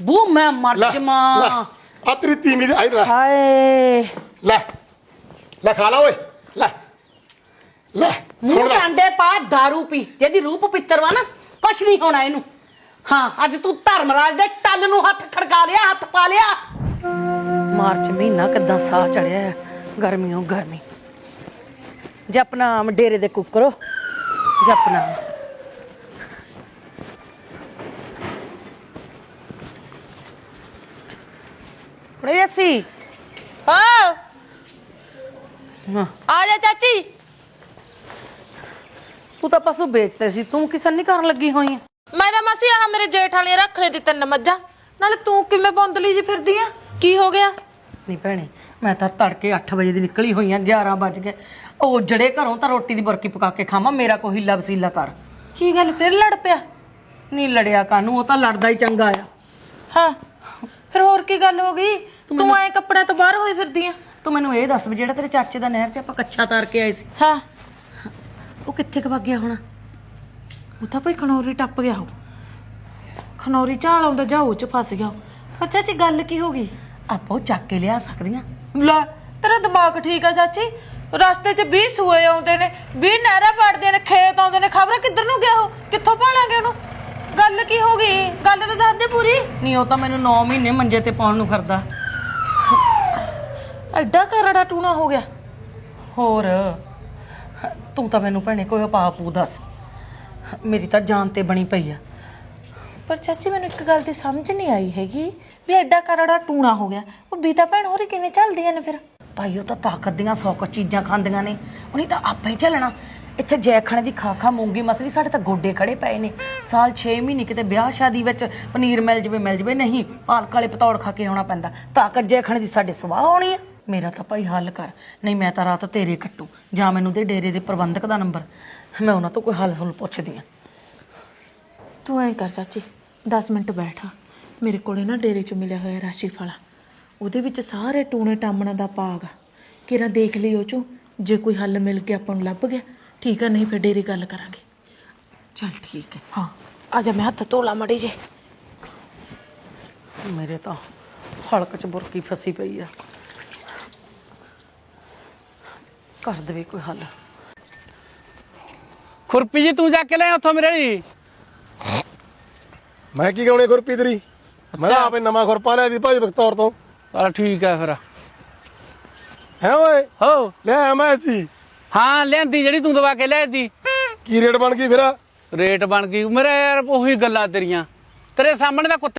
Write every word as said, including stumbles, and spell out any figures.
बू मैं मर जावां आ तेरी तीमी दे आई ले हाय ले ले खा ला ओए ले ले मुंह डांडे पा दारू पी जेदी रूप पित्तर वा ना कुछ नहीं होना इनू हाँ अज तू धर्मराज दे टल नू हथ खड़का लिया हथ पा लिया मार्च महीना किदां साह चढ़िया है गर्मियों गर्मी जपनाम डेरे दे कुकरो जपनाम सी हाँ हाँ आ जा चाची तू तो पशु बेचते सी तू किसन नहीं करन लगी हुई है मैं तो मसी आ मेरे जेठ वाली रख ले दी तीन मज्जा नाले तू किवें बौंदली जी फिरदी आ की हो गया नहीं भैने मैं तो तड़के अठ बजे की निकली हुई हाँ ग्यारह बज गए ओ जड़े घरों तो रोटी की बुरकी पका के खावा मेरा कोई हिला वसीला कर की गल फिर लड़ पिया नहीं लड़िया कानू वो तो लड़दा ही चंगा आ हाँ फिर होर की गल हो गई तू ऐ कपड़े तो बाहर होई फिरदी आ तू मैनू ये दस भी जेड़ा तेरे चाचे का नहर च आपां कच्छा तार के आए सी हाँ वो कित्थे क वग गया होना ਉਹ ਤਾਂ ਭਈ ਖਨੌਰੀ ਟੱਪ ਗਿਆ ਹੋ ਖਨੌਰੀ ਝਾਲ ਆਉਂਦਾ ਜਾਓ ਚ ਫਸ ਗਿਆ ਪਰ ਚਾਚੀ ਗੱਲ ਕੀ ਹੋ ਗਈ ਆਪਾਂ ਉਹ ਚੱਕ ਕੇ ਲਿਆ ਸਕਦੀਆਂ ਲੈ ਤੇਰਾ ਦਿਮਾਗ ਠੀਕ ਆ ਚਾਚੀ ਰਸਤੇ 'ਚ ਵੀਹ ਸੂਏ ਆਉਂਦੇ ਨੇ ਵੀਹ ਨਹਿਰਾਂ ਪੜਦੇ ਨੇ ਖੇਤ ਆਉਂਦੇ ਨੇ ਖਬਰ ਕਿੱਧਰ ਨੂੰ ਗਿਆ ਉਹ ਕਿੱਥੋਂ ਭਾਲਾਂਗੇ ਉਹਨੂੰ ਗੱਲ ਕੀ ਹੋ ਗਈ ਗੱਲ ਤਾਂ ਦੱਸ ਦੇ ਪੂਰੀ ਨਹੀਂ ਉਹ ਤਾਂ ਮੈਨੂੰ ਨੌ ਮਹੀਨੇ ਮੰਜੇ ਤੇ ਪਾਉਣ ਨੂੰ ਫਿਰਦਾ ਐਡਾ ਕਰੜਾ ਟੂਣਾ ਹੋ ਗਿਆ ਹੋਰ ਤੂੰ ਤਾਂ ਮੈਨੂੰ ਭੈਣੇ ਕੋਈ ਉਪਾਅ ਪੂ ਦੱਸ ਮੇਰੀ ਤਾਂ ਜਾਨ ਤੇ ਬਣੀ ਪਈ ਆ ਪਰ ਚਾਚੀ ਮੈਨੂੰ ਇੱਕ ਗੱਲ ਦੀ ਸਮਝ ਨਹੀਂ ਆਈ ਹੈਗੀ ਵੀ ਐਡਾ ਕਰੜਾ ਟੂਣਾ ਹੋ ਗਿਆ ਉਹ ਬੀਤਾ ਭੈਣ ਹੋਰੀ ਕਿਵੇਂ ਚੱਲਦੀਆਂ ਨੇ ਫਿਰ ਭਾਈ ਉਹ ਤਾਂ ਤਾਕਤ ਦੀਆਂ ਸੌ ਕੁ ਚੀਜ਼ਾਂ ਖਾਂਦੀਆਂ ਨੇ ਉਹਨੇ ਤਾਂ ਆਪੇ ਹੀ ਚੱਲਣਾ ਇੱਥੇ ਜੈਖਣੇ ਦੀ ਖਾ ਖਾ ਮੂੰਗੀ ਮਸਲੀ ਸਾਡੇ ਤਾਂ ਗੋਡੇ ਖੜੇ ਪਏ ਨੇ ਸਾਲ ਛੇ ਮਹੀਨੇ ਕਿਤੇ ਵਿਆਹ ਸ਼ਾਦੀ ਵਿੱਚ ਪਨੀਰ ਮਿਲ ਜਵੇ ਮਿਲ ਜਵੇ ਨਹੀਂ ਪਾਲਕ ਵਾਲੇ ਪਤੌੜ ਖਾ ਕੇ ਆਉਣਾ ਪੈਂਦਾ ਤਾਕਤ ਜੈਖਣੇ ਦੀ ਸਾਡੇ ਸਵਾਹ ਹੋਣੀ ਆ ਮੇਰਾ ਤਾਂ ਭਾਈ ਹੱਲ ਕਰ ਨਹੀਂ ਮੈਂ ਤਾਂ ਰਾਤ ਤੇਰੇ ਕੱਟੂ ਜਾਂ ਮੈਨੂੰ ਦੇ ਡੇਰੇ ਦੇ ਪ੍ਰਬੰਧਕ ਦਾ ਨੰਬਰ ਮੈਂ ਉਹਨਾਂ ਤੋਂ ਕੋਈ ਹੱਲ ਹੁੱਲ ਪੁੱਛਦੀ ਆ ਤੂੰ ਐਂ ਕਰ ਚਾਚੀ ਦਸ ਮਿੰਟ ਬੈਠਾ ਮੇਰੇ ਕੋਲੇ ਨਾ ਡੇਰੇ 'ਚ ਮਿਲਿਆ ਹੋਇਆ ਰਾਸ਼ੀ ਫਲਾ ਉਹਦੇ ਵਿੱਚ ਸਾਰੇ ਟੂਣੇ ਟਾਮਣਾ ਦਾ ਪਾਗ ਆ ਕਿਰਾ ਦੇਖ ਲਈ ਉਹ 'ਚੋਂ ਜੇ ਕੋਈ ਹੱਲ ਮਿਲ ਕੇ ਆਪਾਂ ਨੂੰ ਲੱਭ ਗਿਆ ਠੀਕ ਆ ਨਹੀਂ ਫਿਰ ਡੇਰੇ ਗੱਲ ਕਰਾਂਗੇ ਚੱਲ ਠੀਕ ਹੈ ਹਾਂ ਆ ਜਾ ਮੈਂ ਹੱਥ ਧੋਲਾ ਮੜੀ ਜੇ ਮੇਰੇ ਤਾਂ ਹਲਕ 'ਚ ਬੁਰਕੀ ਫਸੀ ਪਈ ਆ ਕਰ ਦੇਵੇ ਕੋਈ ਹੱਲ खुरपी जी तू जाके ले उतो मेरे जी मैं की कराਉਣੀ ਖੁਰਪੀ ਤੇਰੀ ਮੈਂ ਤਾਂ ਆਪੇ ਨਵਾਂ ਖੁਰਪਾ ਲਿਆ ਦੀ ਭਾਈ ਬਖਤੌਰ ਤੋਂ चल ठीक है फिर ਹੈ ਓਏ हो ਲੈ ਆ ਮੈਂ ਜੀ हाँ लियांदी जेड़ी तू दवा के ले दी ਕੀ ਰੇਟ ਬਣ ਗਈ ਫਿਰ रेट बन गई मेरे यार ओही गल्लां तेरियां तेरे सामने दा कुत्ते